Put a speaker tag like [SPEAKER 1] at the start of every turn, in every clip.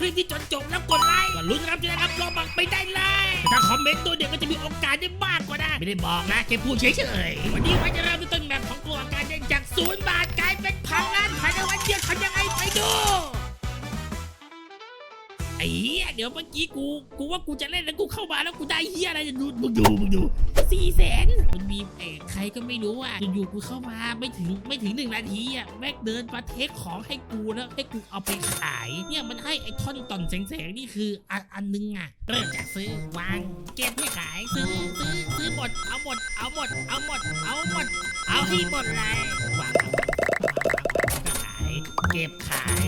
[SPEAKER 1] ลิปที่จนจบแล้วกดไลค์ก็ลุ้นรับจะได้รับโลบัคไปได้เลยถ้าคอมเมนต์ตัวเดียวก็จะมีโอกาสได้มากกว่านะไม่ได้บอกนะแค่พูดเฉยๆวันนี้วันจะเริ่มต้นแบบของกลัวการเด้งจาก0 บาทกลายเป็น1,000 ล้านภายในวันเดียวทำยังไงไปดูไอ้เหี้ยเดี๋ยวเมื่อกี้กูว่ากูจะเล่นแล้วกูเข้ามาแล้วกูได้เหี้ยอะไรจะดูมึงดู400,000มันมีใครก็ไม่รู้อ่ะอยู่ๆกูเข้ามาไม่ถึง1 นาทีอ่ะแม่งเดินมาเทคของให้กูแล้วให้กูเอาไปขายเนี่ยมันให้ไอ้ท่อนต่อนแสงนี่คืออันนึงอ่ะเริ่มจากซื้อวางเก็บให้ขายซื้อหมดเอาหมดเอาให้หมดเลยวางขายเก็บขาย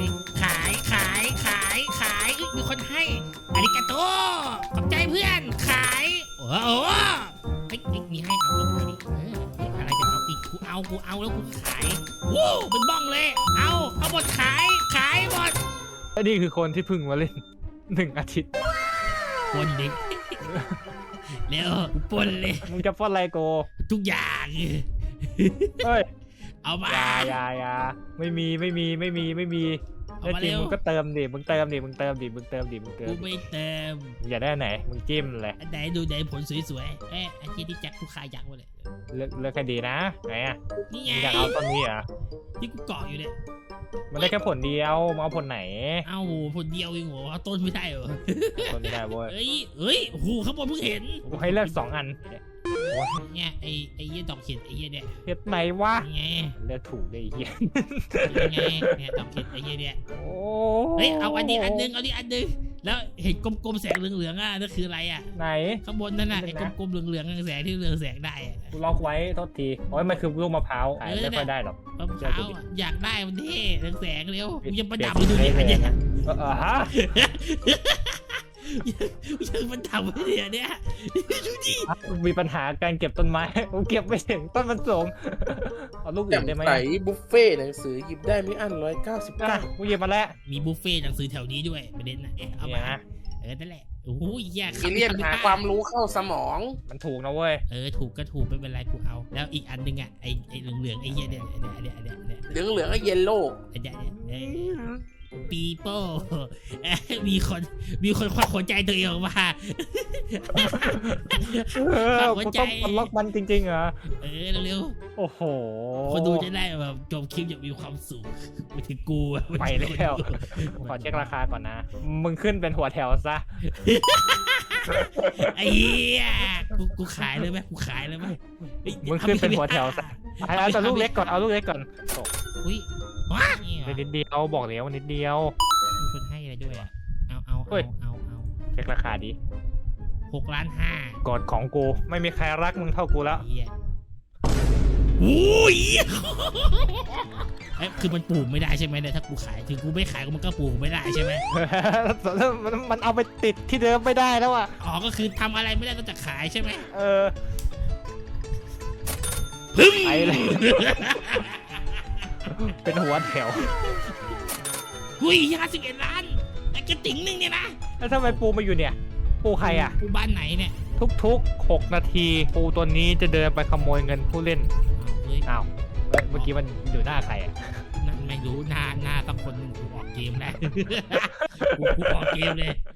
[SPEAKER 1] มีคนให้อาริกาโตขอบใจเพื่อนขายโอ้โหมีให้เอาอะไรจะเอาอีกกูเอาแล้วกูขายวู้เป็นบ้องเลยเอาหมดขายหมด
[SPEAKER 2] นี่คือคนที่พึ่งมาเล่น1 อาทิตย์
[SPEAKER 1] ปนเด็กเร็วกูปนเลย
[SPEAKER 2] มึงจะปนอะไรโก
[SPEAKER 1] ทุกอย่าง
[SPEAKER 2] เฮ้ย
[SPEAKER 1] เอามา
[SPEAKER 2] อย่าไม่มีแน่จริงมึงก็เติมดิมึงเติมดิกูไม่เติมอย่าได้ไหนมึงจิ้มเลย
[SPEAKER 1] ไหนดูไหนผลสวยๆไอ้ที่แจ็คกูขายยังวะเลย
[SPEAKER 2] เลือกให้ดีนะไหนอ่ะ
[SPEAKER 1] นี่ไง
[SPEAKER 2] อยากเอาต้นนี้อ่ะ
[SPEAKER 1] ที่กูเกาะอยู่เนี่ย
[SPEAKER 2] มันได้แค่ผลเดียวมาเอาผลไหน
[SPEAKER 1] เอาผลเดียวเองเหรอเอาต้นไม่ได้เหรอ
[SPEAKER 2] ต้นไม่ได้เว้ย
[SPEAKER 1] เฮ้ยโอ้โหข้างบนเพิ่งเห็น
[SPEAKER 2] กูให้เลือก2 อัน
[SPEAKER 1] เนี่ยไอ้เหี้ยดอกเห็ดไอ้เหี้ยเนี่ย
[SPEAKER 2] เห็ดไหนวะ
[SPEAKER 1] ไง
[SPEAKER 2] เลือกถูกได้เหี้ย
[SPEAKER 1] ไงเนี่ยดอกเห็ดไอ้เหี้ยเนี่ยเฮ้ยเอาอันนี้อันนึงแล้วเห็ดกลมๆแสงเหลืองๆอ่ะนั่นคืออะไรอ่ะ
[SPEAKER 2] ไหน
[SPEAKER 1] ข้างบนนั่นน่ะไอ้กลมๆเหลืองๆแสงที่เรืองแสงได้
[SPEAKER 2] กูล็อกไว้โทษทีโอ้ยมันคือลูกมะพร้าวไม่ค่อยได้หรอก
[SPEAKER 1] มะพร้าวอยากได้มันเท่แสงเร็วมึงจะประดับดูดิอันเนี้ย
[SPEAKER 2] ฮะ
[SPEAKER 1] ยังมันทำไม่ได้เนี่ยดูดิ
[SPEAKER 2] มีปัญหาการเก็บต้นไม้ผมเก็บไม่ถึงต้นมันสูงเอาลูกอื่นได้ไหม
[SPEAKER 3] ใส่บุฟเฟ่หนังสือหยิบได้ไม่อั้น199
[SPEAKER 2] กูหยิบมาแล้ว
[SPEAKER 1] มีบุฟเฟ่หนังสือแถวนี้ด้วยประเด็นนะเอามานั่นแหละโอ้ยแย่
[SPEAKER 3] มีเรียกหาความรู้เข้าสมอง
[SPEAKER 2] มันถูกนะเว้ย
[SPEAKER 1] ถูกก็ถูกไม่เป็นไรกูเอาแล้วอีกอันนึงอ่ะไอ้เหลืองไอ้เหี้ยเนี่ย
[SPEAKER 3] เหลืองไอ้เยลโล่
[SPEAKER 1] ปีโป้มีคนควักหัวใจตัวเองออกมา
[SPEAKER 2] หัวใจมันล็อกมันจริงๆเหรอ
[SPEAKER 1] เร็ว
[SPEAKER 2] โอ้โห
[SPEAKER 1] คนดูจะได้แบบจบคลิปอย่างมีความสุขไม่ถึงกู
[SPEAKER 2] ไปแล้วขอเช็คราคาก่อนนะมึงขึ้นเป็นหัวแถวซะ
[SPEAKER 1] ไอ้เหี้ยกูขายเลยไหม
[SPEAKER 2] มึงขึ้นเป็นหัวแถวซะเอาลูกเล็กก่อน
[SPEAKER 1] อุ้ย
[SPEAKER 2] นิดเดียวบอกแล้วนิดเดียว
[SPEAKER 1] มีคนให้อะไรด้วยเอา
[SPEAKER 2] เช็คราคาดิ
[SPEAKER 1] 6,500,000
[SPEAKER 2] กดของกูไม่มีใครรักมึงเท่ากูแล้ว
[SPEAKER 1] โอ้ยคือมันปลูกไม่ได้ใช่ไหมเนี่ยถ้ากูขายถึงกูไม่ขายมันก็ปลูกไม่ได้ใช่ไหม
[SPEAKER 2] มันเอาไปติดที่เดิมไม่ได้แล้วอ่ะ
[SPEAKER 1] ก็คือทำอะไรไม่ได้นอกจากขายใช่ไหม
[SPEAKER 2] พึ่งไปเลยเป็นหัวแถว
[SPEAKER 1] 51 ล้านไอ้กระติ๋งนึงเนี่ยนะ
[SPEAKER 2] แล้วทำไมปูมาอยู่เนี่ยปูใครอ่ะ
[SPEAKER 1] ปูบ้านไหนเนี่ย
[SPEAKER 2] ทุก6 นาทีปูตัวนี้จะเดินไปขโมยเงินผู้เล่นอ้าวเมื่อกี้มันอยู่หน้าใครอ่ะ
[SPEAKER 1] นั่นไม่รู้หน้าสักคนนึงกูออกเกมแล้วกูออกเกมเลย